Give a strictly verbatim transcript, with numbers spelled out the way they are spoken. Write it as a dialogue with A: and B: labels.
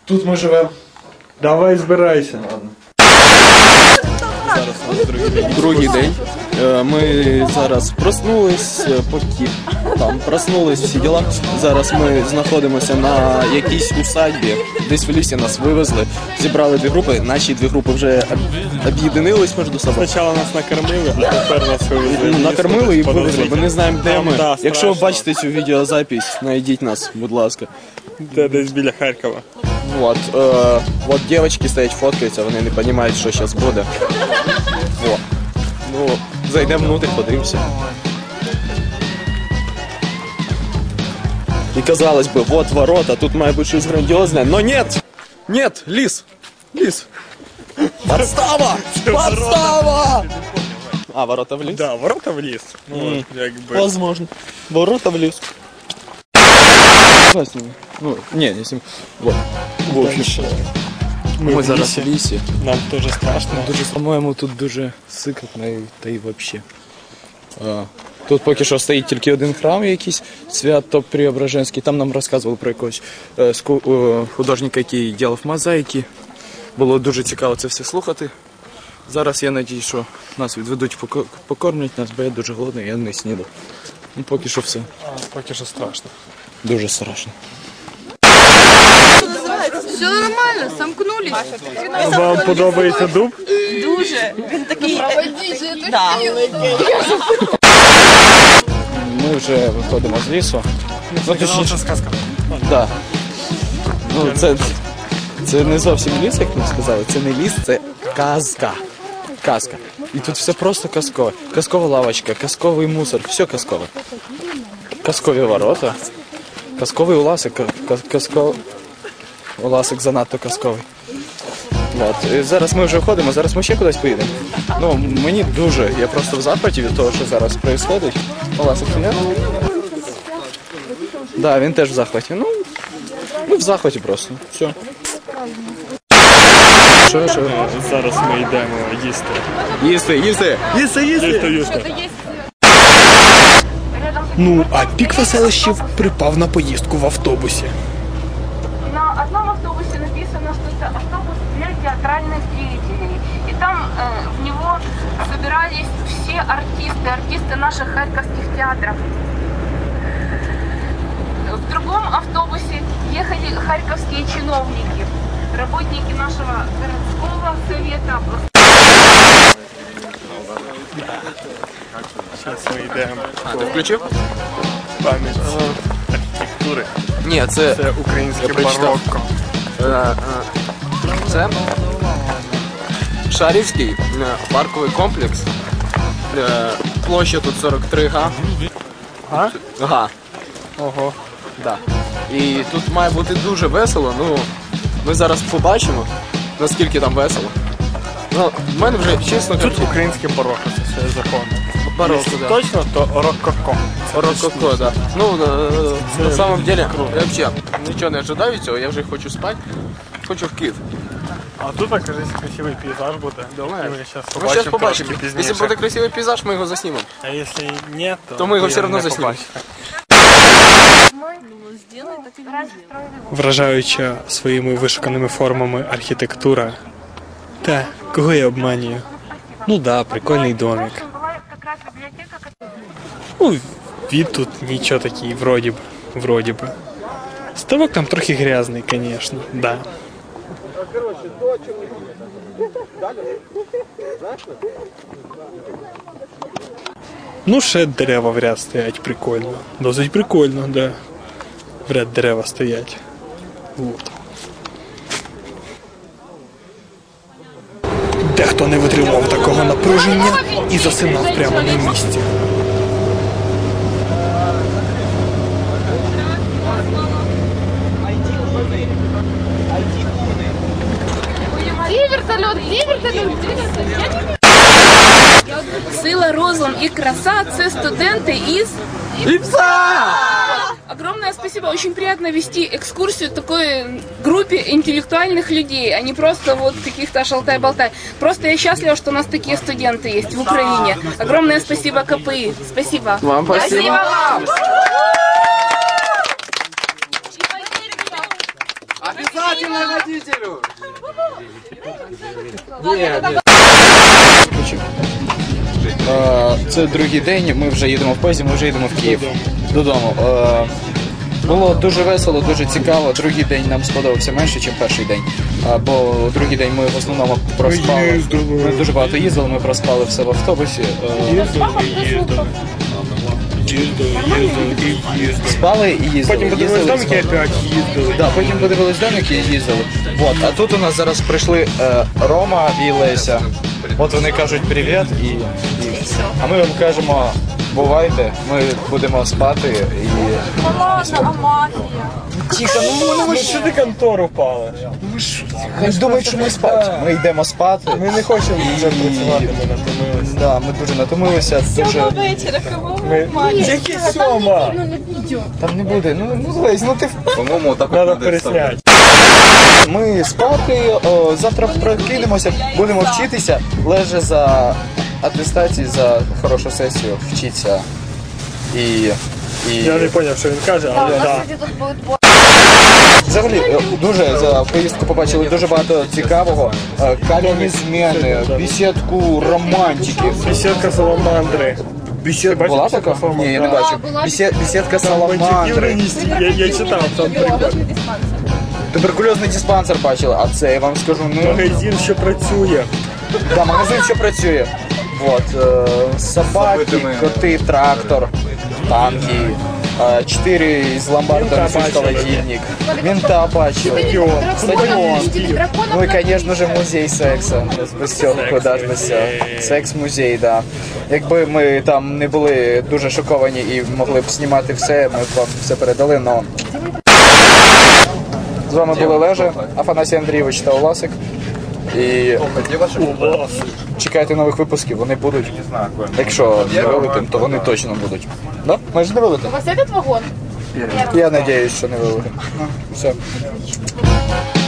A: Тут ми живемо. Давай збирайся. Ладно.
B: Зараз у нас другий день. Другий день. Ми зараз проснулись, поки там проснулись всі діла. Зараз ми знаходимося на якійсь усадьбі. Десь в лісі нас вивезли, зібрали дві групи. Наші дві групи вже об'єднились між собою.
C: Спочатку нас накормили, а тепер нас вивезли.
B: Накормили і вивезли. Ми не знаємо, де ми. Якщо ви бачите цю відеозапись, знайдіть нас, будь ласка.
C: Де десь біля Харкова.
B: Вот, э, вот девочки стоять фоткаються, вони не розуміють, що зараз буде. Во. Ну, зайдемо внутрь, подивимося. І казалось би, вот ворота, тут має бути щось грандіозне, но нет! Нет, ліс! Ліс! Подстава! Подстава! А, ворота в ліс?
C: Да, ворота в ліс. Ну,
B: Mm.
C: якби.
B: Возможно. Ворота в ліс. Ну, не, не сім. Вот. В общем,
C: Ми,
B: ми
C: в
B: зараз в
C: лісі.
B: лісі.
C: Нам дуже страшно.
B: Дуже, по-моєму, тут дуже сикотно, та й взагалі. Тут поки що стоїть тільки один храм якийсь, Свято-Преображенський. Там нам розказували про якогось е, ску, е, художника, який робив мозаїки. Було дуже цікаво це все слухати. Зараз я сподіваюся, що нас відведуть, покормлять нас, бо я дуже голодний, я не снідав. Ну, поки що все.
C: А, поки що страшно.
B: Дуже страшно.
D: Все нормально, сомкнулись.
C: Вам подобається дуб?
D: Дуже. Він такий. Да.
B: Ми вже виходимо з лісу. Ну, точніше,
C: сказка.
B: да. Ну, це, це не зовсім ліс, як ми сказали. Це не ліс, це казка. Казка. І тут все просто казкове. Казкова лавочка, казковий мусор, все казкове. Казкові ворота. Казковий уласик, казковий... Уласик занадто казковий. От. І зараз ми вже виходимо, зараз ми ще кудись поїдемо. Ну, мені дуже, я просто в захваті від того, що зараз відбувається. Уласик є? Да, він теж в захваті. Ну, ми в захваті просто. Все. Що, що?
C: Зараз ми йдемо їсти.
B: Їсти, їсти! Їсти, їсти!
C: Їсти, їсти.
E: Ну, а пік веселищів припав на поїздку в автобусі.
F: На одном автобусе написано, что это автобус для театральных деятелей. И там э, в него собирались все артисты, артисты наших харьковских театров. В другом автобусе ехали харьковские чиновники, работники нашего городского совета.
C: Зараз ми йдемо
B: А, ти включив?
C: пам'ять архітектури.
B: Ні, це...
C: Це українське
B: Я прочитав.
C: барокко.
B: Е, е, Це Шарівський е, парковий комплекс. Е, Площа тут сорок три га.
C: А?
B: Га.
C: Ого.
B: Да. І тут має бути дуже весело. Ну, ми зараз побачимо, наскільки там весело. Ну, в мене вже, чесно
C: Тут
B: кажучи,
C: українське барокко, це все законно.
B: барокко,
C: Якщо
B: да.
C: точно, то рококо.
B: Рококо, да. Ну, е, на самом деле, я взагалі нічого не ожидаю від цього, я вже хочу спати. Хочу в Київ.
C: А тут, кажись, красивий пейзаж буде.
B: Думаєш?
C: Ми зараз
B: Ми зараз
C: побачимо
B: побачимо.
C: трошки
B: Якщо
C: пізніше.
B: буде красивий пейзаж, ми його заснімемо.
C: А якщо ні, то,
B: То ми його
C: ви
B: все одно
C: не
B: заснімемо.
C: побачите. Вражаюча своїми вишуканими формами архітектура. Та, кого я обманюю? Ну да, прикольний домик. Ну, від тут нічого такий, вроді б, вроді б. Ставок там трохи грязний, звісно, да. Ну, ще дерева в ряд стоять, прикольно. Досить прикольно, да. В ряд дерева стоять. Вот. Дехто не витримав такого напруження і засинав прямо на місці.
D: Где вертолет? Где вертолет? Где вертолет?
F: Сила, розум и краса – це студенты из
B: Ипса!
F: Огромное спасибо. Очень приятно вести экскурсию такой группе интеллектуальных людей, а не просто вот каких-то шалтай-болтай. Просто я счастлива, что у нас такие студенты есть в Украине. Огромное спасибо КПИ. Спасибо.
B: Вам спасибо.
F: Обязательно.
B: Е, Це другий день, ми вже їдемо в поїзді, ми вже їдемо в Київ. Додому. Е, Було дуже весело, дуже цікаво. Другий день нам сподобався менше, ніж перший день. А, бо другий день ми в основному проспали. Ми дуже багато їздили, ми проспали все в автобусі. Е,
C: Їздили і їздили. Їздили, їздили і їздили.
B: Спали і їздили.
C: Потім подивились
B: їздили,
C: домики,
B: спали.
C: опять їздили.
B: Да, потім подивились домики і їздили. Вот. А тут у нас зараз прийшли е, Рома і Леся. От вони кажуть привіт і, і а ми вам кажемо бувайте, ми будемо спати і.
D: Ладно, а магія?
B: Тихо, ну
C: Ми ж сюди контору впали.
B: хай думають, що ми спати. Ми йдемо спати.
C: Ми не хочемо вже працювати, ми натомилися.
B: Да, ми дуже натомилися, дуже.
D: Вечора, кого?
C: Ми... Які сьома?
B: Там не буде. Ну, ну Лесь, ну ти в-
G: По-моему, так
C: Треба пересняти.
B: Ми спати, о, завтра прокинемося, будемо вчитися, леже за атестації, за хорошу сесію вчиться. І. і...
C: Я не зрозумів, що він каже, але так.
B: Взагалі, е, дуже за поїздку побачили дуже багато цікавого. Е, Кам'яні зміни, бесідку романтики.
C: Бесідка саламандри.
B: Бесідка
C: бачив
B: була
C: бесідку
B: така?
C: саламандри?
B: Ні, я не
F: Да,
B: бачив.
F: була
B: Бесід- Бесідка
C: Бандюків
B: саламандри.
C: раніше. Я, я читав, там прикольно.
B: Туберкульозний диспансер бачили, а це я вам скажу, ну.
C: Магазин, що працює.
B: Да, магазин що працює. Вот, е, собаки,
G: Забитими.
B: коти, трактор, танки, е, чотири з ломбарда
C: Мента
B: несуть
C: бачили.
B: холодильник. Мента бачили. Стадіон. Ну і, звісно ж, музей сексу. Без цього куди ж без цього. Секс-музей, да. Якби ми там не були дуже шоковані і могли б знімати все, ми б вам все передали, но... З вами були Лежа, Афанасій Андрійович та Оласик. І чекайте нових випусків, вони будуть. Якщо не вилетим, то вони точно будуть. Да? Ми ж не вилетим.
F: У вас этот вагон?
B: Я надіюсь, що не вилетим. Все.